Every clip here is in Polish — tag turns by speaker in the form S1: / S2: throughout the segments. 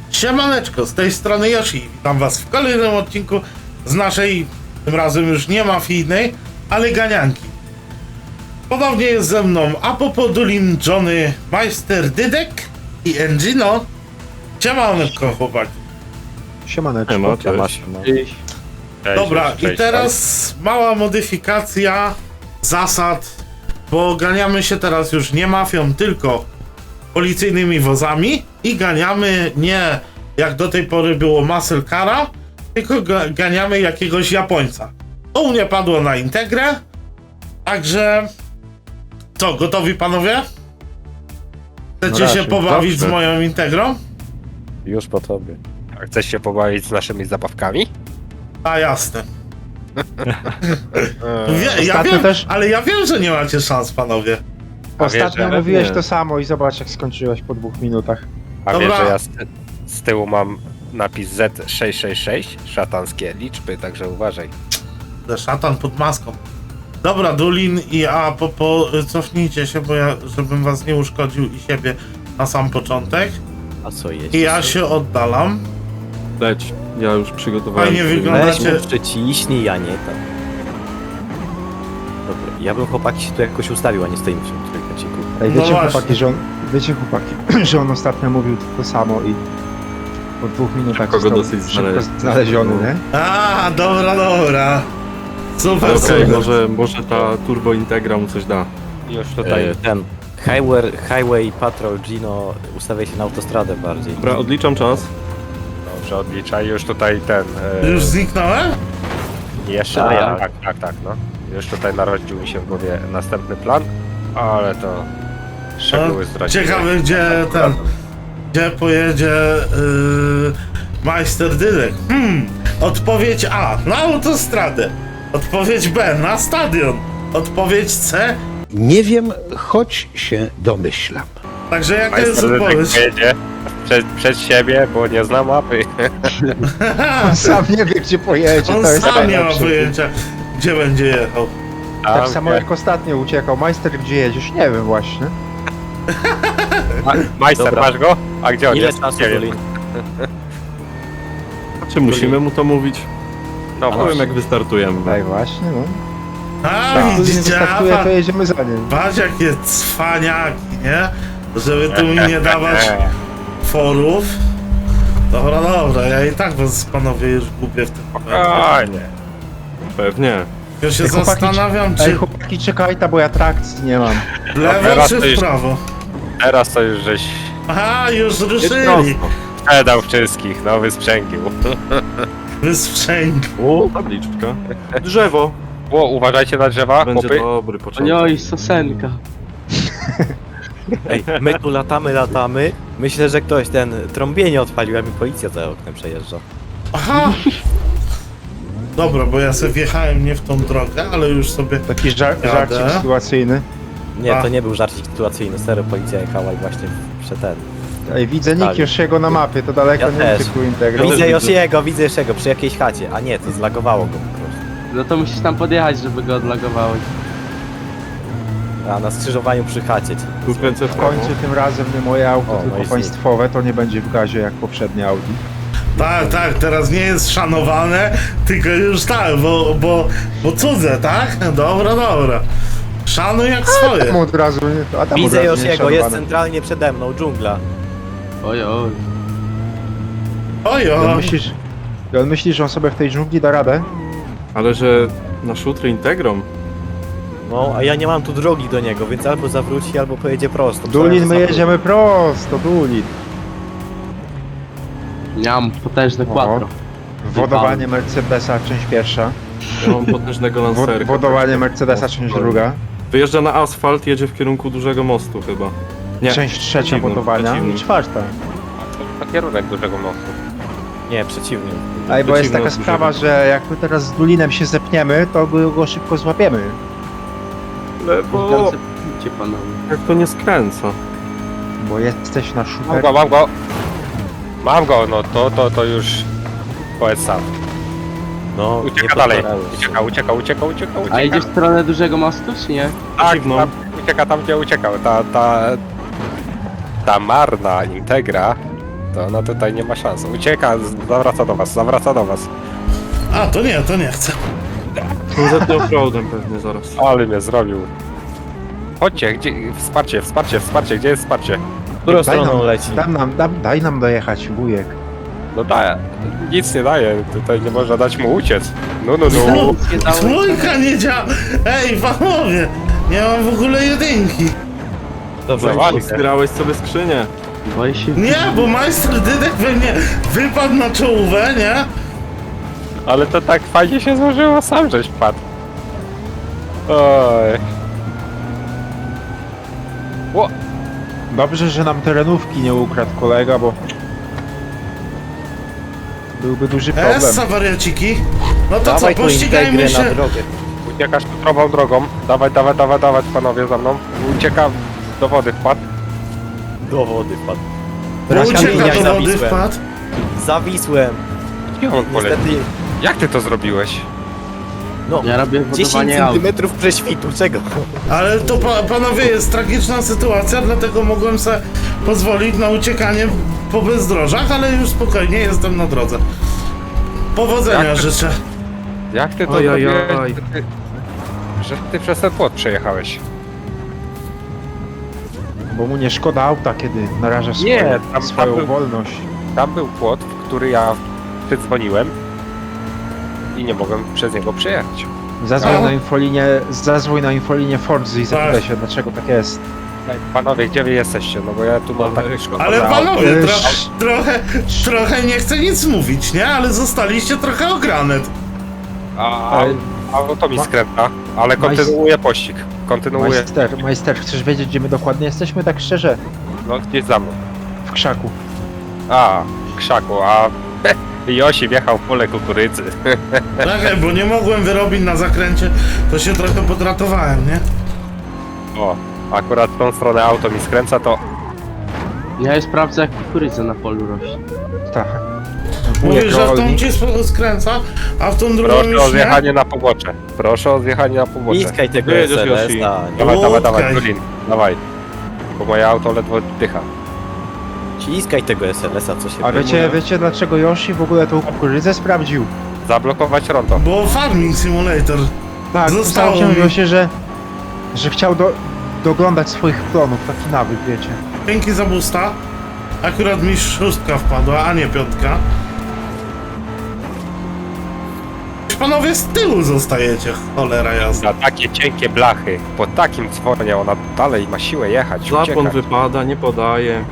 S1: Siemaneczko, z tej strony Yoshi. Witam was w kolejnym odcinku z naszej, tym razem już nie mafijnej, ale ganianki. Ponownie jest ze mną Apopodulin, Johnny, Majster Dydek i Engino. Siemaneczko, chłopaki.
S2: Siemaneczko.
S3: Cześć.
S1: Dobra,
S3: cześć,
S1: i teraz mała modyfikacja zasad, bo ganiamy się teraz już nie mafią, tylko policyjnymi wozami i ganiamy nie jak do tej pory było muscle cara, tylko ganiamy jakiegoś Japońca. To u mnie padło na integrę, także co, gotowi panowie? Chcecie się pobawić z moją integrą?
S3: Już po tobie. A chcesz się pobawić z naszymi zabawkami?
S1: A jasne. Ja
S2: Ostatnio
S1: wiem,
S2: też-
S1: ale ja wiem, że nie macie szans, panowie.
S2: Ostatnio
S3: wiesz, że-
S2: mówiłeś
S3: nie.
S2: to samo i zobacz jak skończyłeś po 2 minutach.
S3: A
S1: Dobra.
S3: wiesz, że ja z tyłu mam napis Z666, szatanskie liczby, także uważaj.
S1: Szatan pod maską. Dobra, Dulin i Apopo, cofnijcie się, bo ja, żebym was nie uszkodził i siebie na sam początek.
S4: A co jest?
S1: I ja się oddalam.
S5: Leć, ja już przygotowałem.
S1: Fajnie
S5: sobie-
S1: wygląda.
S4: Weź
S1: Macie-
S4: mu przyciśnij, a nie tam. Dobra, ja bym chłopaki się tu jakoś ustawił, a nie stoimy w tym trójkąciku.
S2: Ej,
S1: No
S2: wiecie
S1: właśnie.
S2: chłopaki, że on, że on ostatnio mówił to samo i po 2 minutach
S5: Szybko go
S2: został
S5: dosyć
S2: szybko
S5: znaleźć.
S2: znaleziony, nie?
S1: A, dobra. Super,
S5: Ale okej,
S1: super.
S5: może ta Turbo Integra mu coś da.
S3: Już tutaj.
S4: Ten Highway Patrol Gino ustawia się na autostradę bardziej.
S5: Dobra, odliczam czas.
S3: Dobrze, odliczaj. Już tutaj ten.
S1: Już zniknąłem?
S3: Jeszcze
S4: A,
S3: nie.
S4: ja.
S3: Tak, no. Już tutaj narodził mi się w głowie następny plan, ale to szczegóły zdradzimy.
S1: Ciekawe, gdzie pojedzie Majster Dydek. Odpowiedź A, na autostradę. Odpowiedź B, na stadion. Odpowiedź C.
S6: Nie wiem, choć się domyślam.
S1: Także jaka jest
S3: Majster Dydek
S1: odpowiedź?
S3: pojedzie przed siebie, bo nie zna mapy.
S2: On sam nie wie gdzie pojedzie,
S1: On
S2: to jest
S1: sam nie ma
S2: najlepsze.
S1: pojęcia, gdzie będzie jechał.
S2: Tak samo jak ostatnio uciekał. Majster, gdzie jedziesz? Nie wiem właśnie.
S3: Majster,
S4: Dobra.
S3: masz go? A gdzie on
S4: Ile
S3: jest?
S4: czasu,
S3: Nie wiem.
S4: Dolin?
S5: Czy musimy mu to mówić?
S3: No
S5: Nie wiem
S3: właśnie.
S5: jak wystartujemy.
S2: Tak właśnie, no.
S1: A,
S2: Jak tu nie
S1: widzicie,
S2: wystartuje, to jedziemy za nim.
S1: patrz jakie cwaniaki, nie? Żeby tu mi nie dawać forów. Dobra, ja i tak was panowie już gubię w tym momencie.
S3: Spokojnie.
S5: Pewnie.
S1: Ja się
S2: Ej, chłopaki,
S1: zastanawiam,
S2: Ej,
S1: czy
S2: chłopaki, czekajta, bo ja trakcji nie mam.
S1: w lewo
S3: teraz
S1: czy
S3: to
S1: w
S3: już-
S1: prawo.
S3: Teraz to już żeś
S1: Aha, już
S5: Jest
S1: ruszyli.
S5: prosto.
S3: sprzedał wszystkich, no wysprzęgił.
S1: Wysprzęg.
S5: O, tabliczka. Drzewo.
S3: O, uważajcie na drzewa,
S5: Będzie
S3: chłopy.
S5: dobry początek.
S7: Oj, sosenka.
S4: Ej, my tu latamy. Myślę, że ktoś ten trąbienie odpalił, a mi policja za oknem przejeżdża.
S1: Aha. Dobra, bo ja sobie wjechałem nie w tą drogę, ale już sobie...
S2: Taki żarcik
S1: Jadę.
S2: sytuacyjny.
S4: Nie,
S1: A.
S4: to nie był żarcik sytuacyjny, serio policja jechała i właśnie przed ten.
S2: Ej, widzę nick
S4: Tak.
S2: Josiego na mapie, to daleko
S4: Ja
S2: nie
S4: też.
S2: uciekł Integra.
S4: Widzę
S5: widzę.
S4: Josiego, widzę Josiego przy jakiejś chacie. A nie, to zlagowało go po prostu.
S7: No to musisz tam podjechać, żeby go odlagowało.
S4: A na skrzyżowaniu przy chacie.
S5: Tu kręcę w
S2: W
S5: prawo.
S2: końcu tym razem nie moje auto,
S4: O, no
S2: tylko
S4: i
S2: państwowe, to nie będzie w gazie jak poprzednie Audi.
S1: Tak, teraz nie jest szanowane, tylko już tak, bo cudze, tak? Dobra. Szanuj jak swoje.
S2: Tam od razu, a tam
S4: Widzę
S2: od razu nie
S4: Josiego, jest
S2: szanowane.
S4: centralnie przede mną, dżungla.
S7: Oj, oj.
S1: Ojo.
S2: I on myśli, że on sobie w tej dżungli da radę?
S5: Ale że na szutry Integrą.
S4: No, a ja nie mam tu drogi do niego, więc albo zawróci, albo pojedzie prosto.
S2: Dulin, my
S4: Zawróci.
S2: jedziemy prosto, Dulin.
S7: Miałem potężne quattro.
S2: Wodowanie Mercedesa, część pierwsza.
S5: Ja mam potężnego lancerka.
S2: Wodowanie Mercedesa, część druga.
S5: Wyjeżdża na asfalt, jedzie w kierunku dużego mostu chyba. Nie.
S2: Część trzecia
S5: przeciwnym,
S2: wodowania
S5: przeciwnym.
S2: i czwarta.
S3: Na kierunek dużego mostu.
S4: Nie, przeciwnie.
S2: Ej, bo jest
S5: Przeciwne
S2: taka
S5: od
S2: sprawa,
S5: dużego.
S2: że jak my teraz z Dulinem się zepniemy, to go szybko złapiemy.
S5: Lewo.
S7: Cię panowie.
S5: Jak to nie skręca?
S2: Bo jesteś na super.
S3: Mam go, no to już powiedz sam.
S4: No,
S3: Ucieka
S4: nie
S3: dalej.
S4: podpadałeś.
S3: Ucieka.
S7: A idziesz w stronę dużego mostu, czy nie?
S3: Tak,
S5: Przeciwną.
S3: ucieka tam, gdzie uciekał. Ta marna Integra to ona tutaj nie ma szans. Ucieka, zawraca do was.
S1: A, to nie chcę.
S5: Zetnie offroadem pewnie zaraz.
S3: Ale mnie zrobił. Chodźcie, gdzie... Wsparcie, gdzie jest wsparcie?
S4: Którą stroną leci?
S2: Daj nam dojechać, wujek.
S3: No daję, nic nie daje, tutaj nie można dać mu uciec. No.
S7: Nie dało-
S1: Trójka nie działa. Ej, panowie, nie mam w ogóle jedynki.
S4: Dobrze,
S3: Zawali.
S5: Zbierałeś sobie skrzynię.
S7: Boję się.
S1: Nie, bo majster Dydek we mnie wypadł na czołówę, nie?
S3: Ale to tak fajnie się złożyło, sam żeś padł. Oj.
S2: Dobrze, że nam terenówki nie ukradł kolega, bo... Byłby duży problem.
S1: Essa, wariaciki. No to
S4: dawaj
S1: co,
S4: tu
S1: pościgajmy
S4: integrę
S1: się.
S4: na drogę.
S3: Uciekasz którą drogą. Dawaj, panowie za mną. Ucieka do wody, wpadł.
S4: Do wody wpadł.
S1: Bo
S4: Na
S1: ucieka
S4: kamieniach
S1: do wody
S4: zawisłem.
S1: wpadł.
S4: Zawisłem.
S3: Gdzie on poleciał?
S4: Niestety,
S3: Jak ty to zrobiłeś?
S4: no,
S7: Ja robię
S4: 10
S7: budowanie aut.
S4: centymetrów prześwitu, czego?
S1: Ale to panowie jest tragiczna sytuacja, dlatego mogłem sobie pozwolić na uciekanie po bezdrożach, ale już spokojnie jestem na drodze. Powodzenia
S3: Jak to-
S1: życzę.
S3: Jak ty to
S5: Ojojoj.
S3: zrobiłeś? Że ty przez ten płot przejechałeś.
S2: Bo mu nie szkoda auta, kiedy naraża
S3: Nie, tam
S2: swoją
S3: był-
S2: wolność.
S3: Tam był płot, w który ja przydzwoniłem i nie mogłem przez niego przejechać.
S2: Zadzwoń na infolinię Forzy i zapytaj
S1: Tak.
S2: się, dlaczego tak jest.
S3: Panowie, gdzie wy jesteście? No bo ja tu mam tak szkodę.
S1: Ale
S3: auto.
S1: panowie,
S2: Esz.
S1: trochę nie chcę nic mówić, nie? Ale zostaliście trochę ogranet.
S3: A auto mi skręta, ale kontynuuję pościg. Kontynuuję,
S2: Majster, chcesz wiedzieć, gdzie my dokładnie jesteśmy, tak szczerze?
S3: no gdzieś za mną.
S2: W krzaku.
S3: A, w krzaku, a Josi wjechał w pole kukurydzy.
S1: Czekaj, bo nie mogłem wyrobić na zakręcie, to się trochę podratowałem, nie?
S3: O, akurat w tą stronę auto mi skręca, to
S7: Ja je sprawdzę, jak kukurydza na polu rośnie.
S2: Tak.
S1: Mówisz, że w tą
S2: rolnik.
S1: ci skręca, a w tą drugą
S3: proszę
S1: już
S3: o
S1: nie?
S3: zjechanie na pobocze. Proszę o zjechanie na pobocze.
S4: Niskaj tego
S5: Wyjedziesz,
S4: SLS,
S5: Yoshi.
S4: tak.
S3: Dawaj,
S1: Okej.
S3: Julin, dawaj. Bo moje auto ledwo dycha.
S4: Ciskaj tego SLS-a, co się
S2: A
S4: wyjmuje.
S2: wiecie dlaczego Yoshi w ogóle tą kukurydzę sprawdził?
S3: Zablokować rondo.
S1: Bo Farming Simulator.
S2: Tak,
S1: Zostało
S2: zostało
S1: mi.
S2: się, że chciał doglądać swoich klonów, taki nawyk, wiecie.
S1: Dzięki za boosta. Akurat mi 6 wpadła, a nie 5. Panowie z tyłu zostajecie, cholera jasna.
S3: Na takie cienkie blachy, po takim dzwonie ona dalej ma siłę jechać,
S5: Zapłon
S3: uciekać.
S5: wypada, nie podaje.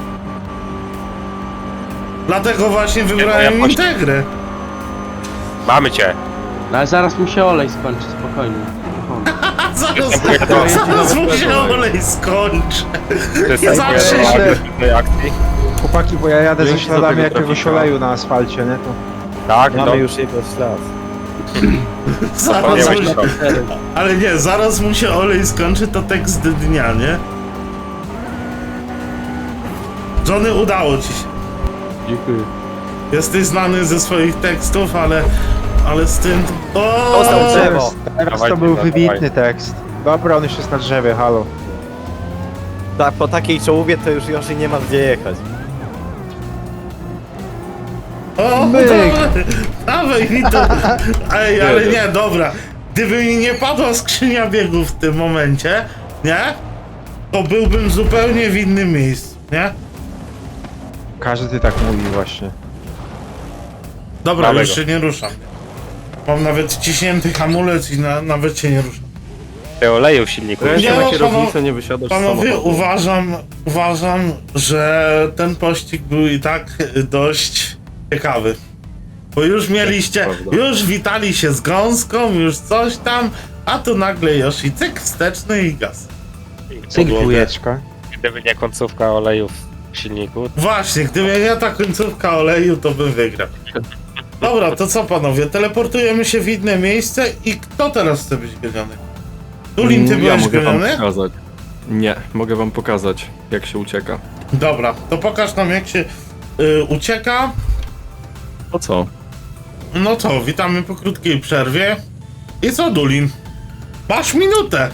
S1: Dlatego właśnie wybrałem
S3: jakoś-
S1: Integrę.
S3: Mamy cię.
S7: No ale zaraz mi się olej skończy, spokojnie.
S1: A zaraz
S3: Jestem
S1: mu się olej skończy.
S3: Przystępuję
S1: Zawsze
S3: do
S1: się-
S3: agresywnej akcji.
S2: Chłopaki, bo ja jadę ze
S5: Dzięki za
S2: śladami
S5: tego
S2: jakiegoś
S5: trafika.
S2: oleju na asfalcie, nie? To...
S3: Tak,
S4: Mamy
S3: no.
S4: już jego ślad.
S1: Zaraz
S3: nie
S1: mu
S3: właśnie
S1: się...
S3: to.
S1: Ale nie, zaraz mu się olej skończy, to tekst dnia, nie? Johnny, udało ci się.
S5: Dziękuję.
S1: Jesteś znany ze swoich tekstów, ale z tym...
S4: Dostał
S1: O!
S4: drzewo.
S2: Teraz
S3: Dawaj,
S2: to był
S3: dawaj.
S2: wybitny tekst. Dobra, on już jest na drzewie, halo.
S4: Tak, po takiej czołówie to już Yoshi nie ma gdzie jechać.
S1: O,
S2: Myk.
S1: dawaj mi to. Ej, ale nie, dobra. Gdyby mi nie padła skrzynia biegów w tym momencie, nie? To byłbym zupełnie w innym miejscu, nie?
S2: Każdy tak mówi właśnie.
S1: Dobra,
S3: Mamy
S1: już
S3: go.
S1: się nie ruszam. Mam nawet ciśnięty hamulec i nawet się nie ruszam.
S3: Te oleju w silniku.
S5: Ręce
S1: Nie,
S5: na
S1: no,
S5: kierownicę, nie wysiadasz z
S1: Panowie,
S5: samochodu.
S1: uważam, że ten pościg był i tak dość ciekawy. Bo już mieliście,
S5: prawda.
S1: już witali się z gąską, już coś tam, a tu nagle Yoshi, cyk wsteczny i gaz.
S2: Cyk,
S1: Podłogę.
S2: wujeczka.
S3: Gdyby nie końcówka oleju w silniku.
S1: Właśnie, gdyby nie ta końcówka oleju, to bym wygrał. Dobra, to co panowie, teleportujemy się w inne miejsce i kto teraz chce być goniony? Tulin, ty
S5: Ja
S1: byłeś
S5: mogę wam
S1: goniony?
S5: pokazać. Nie, mogę wam pokazać, jak się ucieka.
S1: Dobra, to pokaż nam jak się ucieka.
S5: O co?
S1: No to, witamy po krótkiej przerwie. I co, Dulin? Masz minutę!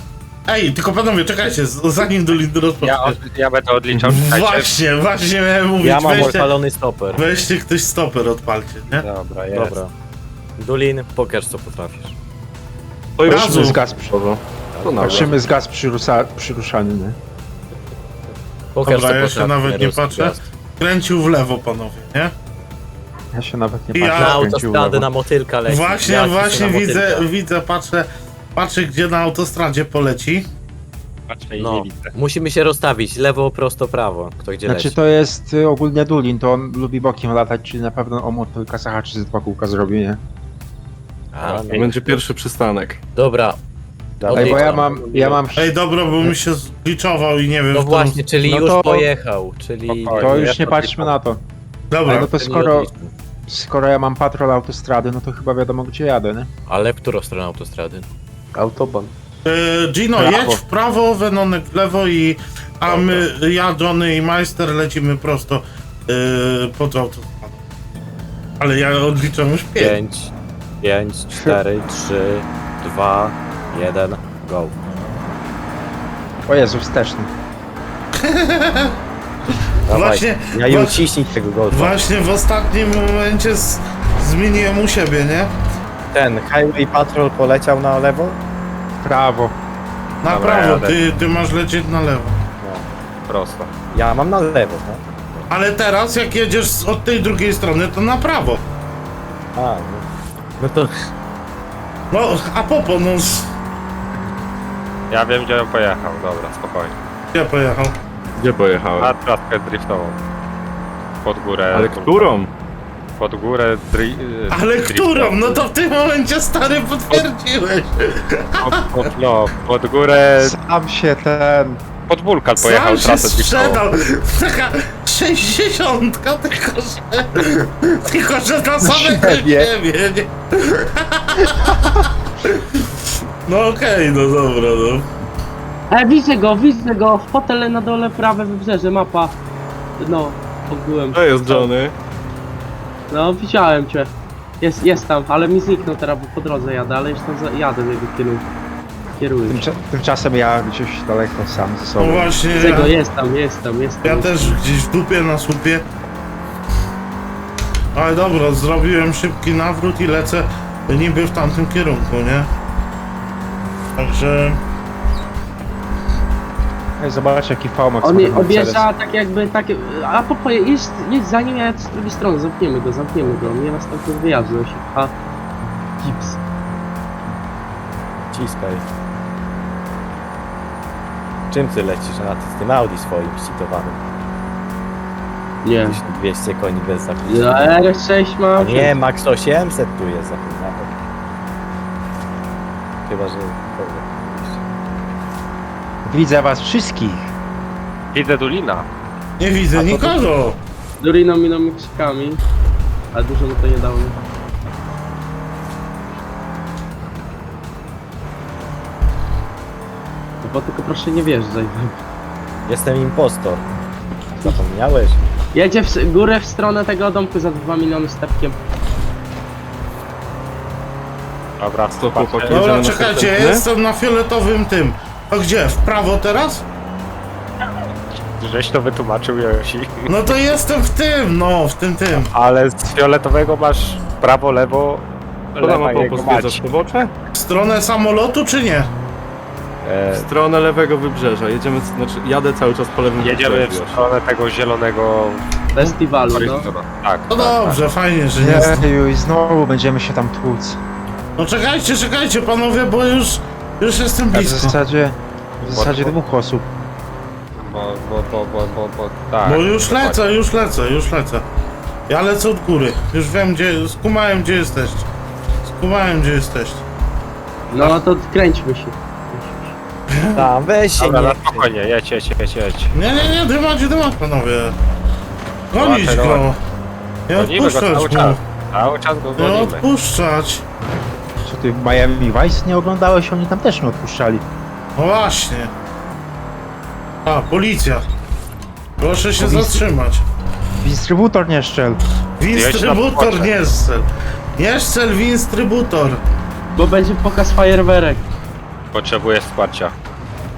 S1: Ej, tylko panowie, czekajcie, zanim do Lindy rozpocznie.
S3: Ja będę odliczał, czekajcie.
S1: Właśnie miałem mówić,
S4: Ja mam
S1: weźcie,
S4: odpalony stoper.
S1: weźcie ktoś stoper odpalcie, nie?
S3: Dobra, jest.
S4: Dobra. Dulin, pokaż co potrafisz.
S5: To już
S1: Razu.
S2: Z gaz przy...
S5: Dobra. To nawet.
S2: Patrzymy z gaz przyruszany, nie?
S4: Pokaż
S1: Dobra,
S4: co
S1: ja się
S4: potrafisz.
S1: nawet nie
S4: ruski
S1: patrzę.
S4: gaz.
S1: Kręcił w lewo, panowie, nie?
S2: Ja się nawet nie
S1: Ja-
S2: patrzę.
S4: Na
S2: skręcił w
S4: autostradę
S2: lewo.
S4: na motylka leci.
S1: Właśnie,
S4: Ja ci
S1: właśnie
S4: na motylka.
S1: widzę, patrzę gdzie na autostradzie poleci.
S3: Patrzę i
S4: No,
S3: nie widzę.
S4: musimy się rozstawić. Lewo, prosto, prawo. Kto gdzie
S2: Znaczy
S4: leci.
S2: to jest ogólnie Dulin, to on lubi bokiem latać, czyli na pewno o motylka zahaczy z 2 kółka zrobi, nie?
S4: A, no.
S5: Będzie pierwszy przystanek.
S4: Dobra.
S2: Ej, bo ja
S4: Odliczam.
S2: mam...
S1: Ej, dobra, bo mi się zgliczował i nie wiem,
S4: No
S1: w którą-
S4: właśnie, czyli
S2: No
S4: już
S2: to-
S4: pojechał, czyli...
S3: Spokojnie.
S2: To
S3: ja
S2: już nie
S3: to
S2: patrzmy
S3: odliczam.
S2: na to.
S1: Dobra,
S2: Ale no to
S4: Nie
S2: skoro,
S4: odliczmy.
S2: skoro ja mam patrol autostrady, no to chyba wiadomo gdzie jadę, nie?
S4: Ale w którą stronę autostrady?
S7: Autoban.
S1: Gino,
S2: Prawo.
S1: jedź w prawo, Wenonek w lewo a my, ja, Johnny i Majster lecimy prosto pod autostradą. Ale ja odliczam już 5.
S4: 5, 4, 3, 2, 1, go.
S2: O Jezu, wsteczny.
S4: Dawaj.
S1: Właśnie,
S4: Ja i
S1: wa-
S4: uciśnij tego golfa.
S1: Właśnie w ostatnim momencie zmieniłem u siebie, nie?
S4: Ten Highway Patrol poleciał na lewo?
S2: Prawo.
S1: Na
S3: Dobra,
S1: prawo,
S3: jadę.
S1: ty masz lecieć na lewo.
S3: Prosto.
S4: Ja mam na lewo, tak?
S1: Ale teraz jak jedziesz od tej drugiej strony, to na prawo.
S4: A, no. No to...
S1: No, a popo, no,
S3: Ja wiem, gdzie on pojechał. Dobra, spokojnie.
S1: gdzie pojechał?
S5: Gdzie pojechałem?
S3: Na traskę driftową. Pod górę.
S5: Ale którą?
S3: Pod górę
S1: Ale którą? No to w tym momencie, stary, potwierdziłeś.
S3: Pod górę.
S1: E,
S2: Sam się ten...
S3: Pod wulkan pojechał
S1: Sam się
S3: trasę driftową.
S1: sprzedał. Taka 60, tylko że na samego
S2: siebie.
S1: siebie, nie? No okej, no dobra, no.
S7: Widzę go, w hotele na dole, prawe wybrzeże, mapa. No, ogółem.
S5: To jest Johnny.
S7: No, widziałem cię. Jest tam, ale mi zniknął teraz, bo po drodze jadę, ale już tam jadę w jego kierunku. Kieruję.
S2: Tymczasem ja gdzieś daleko sam ze
S1: No
S2: sobą.
S1: właśnie,
S7: Widzę go,
S1: ja,
S7: jest tam.
S1: ja też gdzieś w dupie na słupie. Ale dobra, zrobiłem szybki nawrót i lecę niby w tamtym kierunku, nie? Także...
S2: Ej, zobacz jaki V-Max
S7: On
S2: ma ten Mercedes.
S7: objeżdża tak jakby, takie... A popo, jedź za nim, ja z drugiej strony, zamkniemy go. Mnie następny wyjazd nosi. A... Gips.
S4: Ciskaj. Czym ty lecisz? Z tym Audi swoim ścitowanym.
S7: Nie.
S4: 1200 koni bez
S7: Ja
S4: zakłócenia.
S7: R6
S4: A
S7: mam.
S4: nie, Max 800 tu jest zakłócony. Chyba, że...
S2: Widzę was wszystkich.
S3: Widzę Dulina.
S1: Nie widzę nikogo!
S7: Duriną miną krzykami. Ale dużo mu to nie dało. Bo tylko proszę nie wjeżdżaj.
S4: Jestem impostor. Zapomniałeś?
S7: Jedzie w górę w stronę tego domku za 2 miliony stepkiem.
S3: Dobra,
S5: Co,
S3: patrzę.
S5: chłopaki?
S1: Dobra,
S5: Jedziemy
S1: czekajcie, ja
S5: następny?
S1: jestem na fioletowym tym. A gdzie? W prawo teraz?
S3: Żeś to wytłumaczył, Josi.
S1: No to jestem w tym, no, w tym.
S3: Ale z fioletowego masz prawo, lewo,
S5: To nam
S3: lewa
S5: ma
S3: jego
S5: pozwiedzać
S3: mać.
S5: pobocze?
S1: W stronę samolotu czy nie?
S5: W stronę lewego wybrzeża. Jedziemy, znaczy jadę cały czas po lewym
S3: Jedziemy w
S5: wybrzeżu. już.
S3: stronę tego zielonego
S7: Festiwalu, no.
S3: horyzontu. Tak.
S1: No dobrze, fajnie, że nie jest.
S2: Jeju, i znowu będziemy się tam tłuc.
S1: No czekajcie panowie, bo już jestem
S2: A w
S1: blisko.
S2: zasadzie dwóch osób.
S3: Bo tak.
S1: Bo już lecę. Ja lecę od góry. Już wiem gdzie, skumałem gdzie jesteście.
S7: No to kręćmy się.
S4: Tam, weź się
S3: Dobra,
S4: nie...
S3: na spokojnie, jedź.
S1: Nie, dymać panowie. Gonić
S3: Dobra,
S1: go. Nie
S3: Gonimy go cały
S1: odpuszczać
S3: czas.
S1: mu.
S3: Cały czas go
S1: Nie
S3: gonimy.
S1: odpuszczać.
S2: Co ty Miami Vice nie oglądałeś? Oni tam też nie odpuszczali.
S1: No właśnie. A, policja. Proszę się
S2: Policja.
S1: zatrzymać.
S2: Dystrybutor nie szczel.
S1: Winstrybutor,
S3: Jedź na
S1: nie strzel. Nie strzel, winstrybutor.
S7: Bo będzie pokaz fajerwerek.
S3: Potrzebuję wsparcia.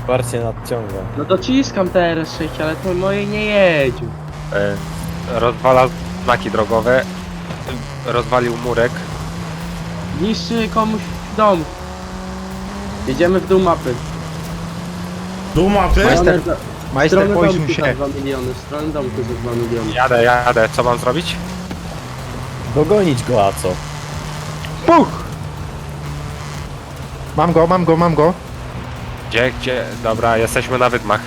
S4: Wsparcie nadciąga.
S7: No dociskam te RS6, ale to moje nie jedzie.
S3: Rozwala znaki drogowe, rozwalił murek.
S7: Niszczy komuś dom. Jedziemy w dół mapy.
S1: Dół mapy?
S2: Majster, majster,
S7: Stronę
S2: poisuj
S7: domku
S2: się.
S7: za 2 miliony, stronę domku za 2 miliony.
S3: Jadę, co mam zrobić?
S4: Dogonić go, a co?
S2: Puch! Mam go.
S3: Gdzie? Dobra, jesteśmy na wydmach,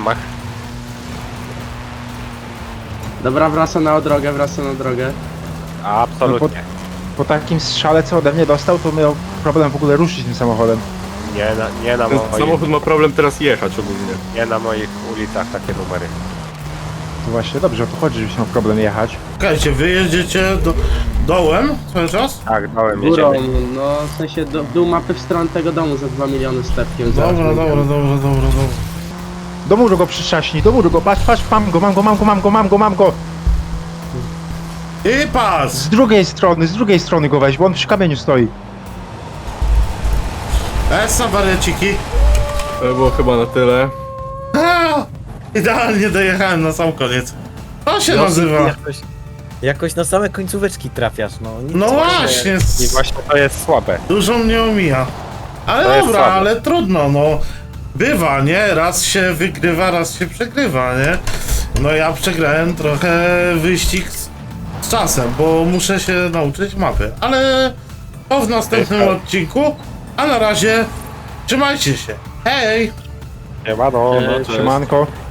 S7: Dobra, wraca na drogę.
S3: Absolutnie.
S2: Po takim strzale, co ode mnie dostał, to miał problem w ogóle ruszyć tym samochodem.
S3: Nie na
S5: Ten
S3: moich,
S5: samochód ma problem teraz jechać ogólnie.
S3: nie na moich ulicach takie numery.
S2: To właśnie dobrze, o to chodzi, żebyś miał problem jechać.
S1: Czekajcie, wy jedziecie dołem cały czas?
S3: Tak, dałem,
S7: Górą,
S3: jedziemy.
S7: no w sensie w dół mapy w stronę tego domu za 2 miliony stepkiem.
S1: Dobra.
S2: Do muru go przyczaśnij, do muru go, patrz, mam go.
S1: I pas!
S2: Z drugiej strony go weź, bo on przy kamieniu stoi.
S1: Essa wariaciki.
S5: To było chyba na tyle.
S1: Idealnie dojechałem na sam koniec. To się
S4: No,
S1: nazywa.
S4: Jakoś na same końcóweczki trafiasz, no. Nic
S1: No
S4: nie-
S1: właśnie,
S3: I właśnie to jest słabe.
S1: dużo mnie omija. Ale
S3: To jest
S1: dobra,
S3: słabe.
S1: ale trudno, no. Bywa, nie? Raz się wygrywa, raz się przegrywa, nie? No ja przegrałem trochę wyścig z czasem, bo muszę się nauczyć mapy. Ale to w następnym odcinku. A na razie trzymajcie się. Hej!
S3: Nie ma, no.
S5: Cześć.
S2: Siemanko.